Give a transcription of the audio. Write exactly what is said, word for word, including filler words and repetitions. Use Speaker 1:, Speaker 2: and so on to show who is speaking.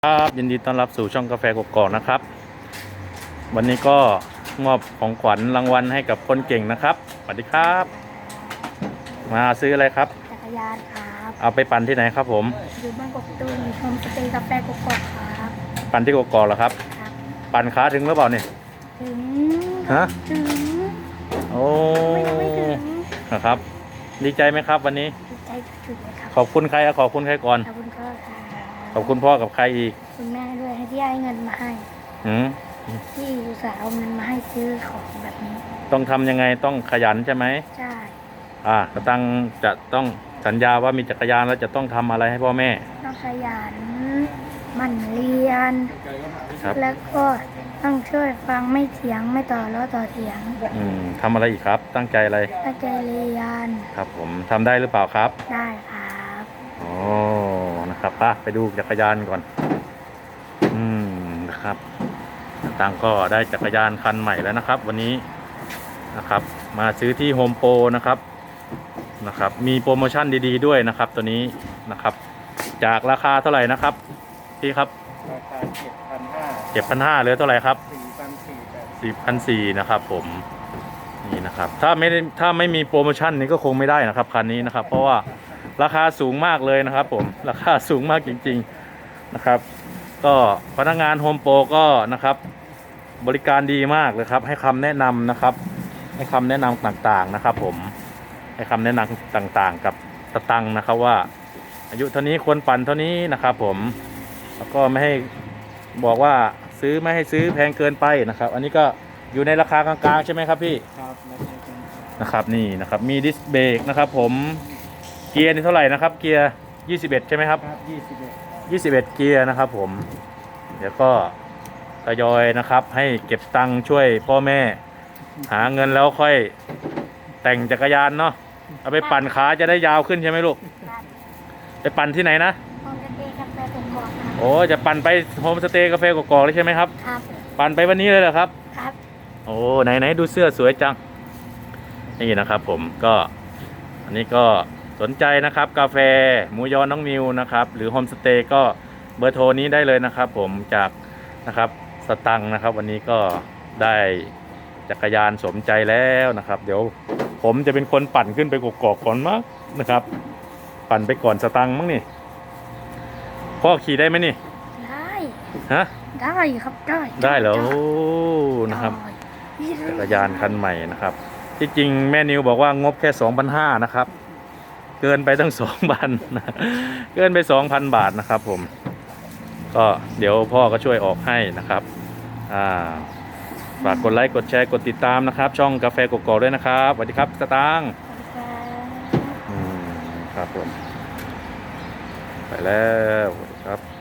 Speaker 1: ครับยินดีต้อนรับสู่ช่องกาแฟกกอกนะครับวันนี้ก็มอบของขวัญรางวัลให้กับคนเก่งนะครับสวัสดีครับมาซื้ออะไรครับ
Speaker 2: จักรยานครับ
Speaker 1: เอาไปปั่นที่ไหนครับผม
Speaker 2: อยู่บ้านกกตูมมีโฮมสเตย์กาแฟกกอกครับ
Speaker 1: ปั่นที่กกอกเหรอครับ
Speaker 2: ครับ
Speaker 1: ปั่นขาถึงหรือเปล่าเนี่ย
Speaker 2: ถึง
Speaker 1: ฮะ
Speaker 2: ถึง
Speaker 1: โอ้
Speaker 2: ไม่ถึง
Speaker 1: นะครับดีใจไหมครับวันนี้
Speaker 2: ดีใจสุดๆเลยครับ
Speaker 1: ขอบคุณใครอะขอบคุณใครก่อน
Speaker 2: ขอบคุณพ่อค่ะ
Speaker 1: ขอบคุณพ่อกับใครอีก
Speaker 2: คุณแม่ด้วยให้ที่ให้เงินมาให้
Speaker 1: หืม
Speaker 2: ที่อุตส่าห์เอาเงินมาให้ซื้อของแบบนี้
Speaker 1: ต้องทำยังไงต้องขยันใช่ไหม
Speaker 2: ใช่
Speaker 1: อ่ากระตังจะต้องสัญญาว่ามีจักรยานแล้วจะต้องทำอะไรให้พ่อแม่
Speaker 2: ต้องขยันหมั่นเรียน
Speaker 1: ครับ
Speaker 2: แล้วก็ต้องช่วยฟังไม่เถียงไม่ต่อล้อต่อเถียง
Speaker 1: อืมทำอะไรอีกครับตั้งใจอะไร
Speaker 2: ตั้งใจเรียน
Speaker 1: ครับผมทำได้หรือเปล่าครับ
Speaker 2: ได้ครับ
Speaker 1: โอ้นะครับป่ะไปดูจักรยานก่อนอืมนะครับตังก็ได้จักรยานคันใหม่แล้วนะครับวันนี้นะครับมาซื้อที่โฮมโปรนะครับนะครับมีโปรโมชั่นดีๆด้วยนะครับตัวนี้นะครับจากราคาเท่าไหร่นะครับพี่ครับ
Speaker 3: ราคาเจ็ดพันห้า
Speaker 1: เจ็ดพันห้าเหลือเท่าไหร่ครับ
Speaker 3: สี่พันสี่
Speaker 1: สี่พันสี่นะครับผมนี่นะครับถ้าไม่ได้ถ้าไม่มีโปรโมชั่นนี้ก็คงไม่ได้นะครับคันนี้นะครับเพราะว่าราคาสูงมากเลยนะครับผมราคาสูงมากจริงๆนะครับก็พนักงานโฮมโปรก็นะครับบริการดีมากเลยครับให้คำแนะนำนะครับให้คำแนะนำต่างๆนะครับผมให้คำแนะนำต่างๆกับสตังค์นะครับว่าอายุเท่านี้ควรปั่นเท่านี้นะครับผมแล้วก็ไม่ให้บอกว่าซื้อไม่ให้ซื้อแพงเกินไปนะครับอันนี้ก็อยู่ในราคากลางๆใช่ไหมครับพี่
Speaker 3: ครับ
Speaker 1: นะครับนี่นะครับมีดิสเบรกนะครับผมเกียร์นี่เท่าไหร่นะครับเกียร์ยี่สิบเอ็ดใช่ไหมครับ
Speaker 3: ครับยี่สิบเอ็ด
Speaker 1: ยี่สิบเอ็ดเกียร์นะครับผมเดี๋ยวก็ทยอยนะครับให้เก็บตังค์ช่วยพ่อแม่หาเงินแล้วค่อยแต่งจักรยานเนาะเอาไปปั่นขาจะได้ยาวขึ้นใช่ไหมลูกไปปั่นที่ไหนนะ
Speaker 2: โฮมสเตย์กาแฟกกอกครับ
Speaker 1: โอ้จะปั่นไปโฮมสเตย์กาแฟกอกๆเลยใช่ไหมครับ
Speaker 2: ครับ
Speaker 1: ปั่นไปวันนี้เลยเหรอครับ
Speaker 2: ครับ
Speaker 1: โอ้ไหนไหนดูเสื้อสวยจังนี่นะครับผมก็อันนี้ก็สนใจนะครับกาแฟหมูยอน้องมิวนะครับหรือโฮมสเตย์ก็เบอร์โทรนี้ได้เลยนะครับผมจากนะครับสตังค์นะครับวันนี้ก็ได้จักรยานสมใจแล้วนะครับเดี๋ยวผมจะเป็นคนปั่นขึ้นไปกกอกก่อนมั้งนะครับปั่นไปก่อนสตังค์มั้งนี่พ่อขี่ได้ไหมนี่
Speaker 2: ได้
Speaker 1: ฮะ
Speaker 2: ได้ครับได้
Speaker 1: ได้เหรอโอ้นะครับจักรยานคันใหม่นะครับที่จริงแม่นิวบอกว่างบแค่ สองพันห้าร้อย นะครับเกินไปตั้ง สองพัน เกินไป สองพัน บาทนะครับผมก็เดี๋ยวพ่อก็ช่วยออกให้นะครับอ่าฝากกดไลค์กดแชร์กดติดตามนะครับช่องกาแฟกกอกด้วยนะครับสวัสดีครับสตางค์อืมครับผมไปแล้วครับ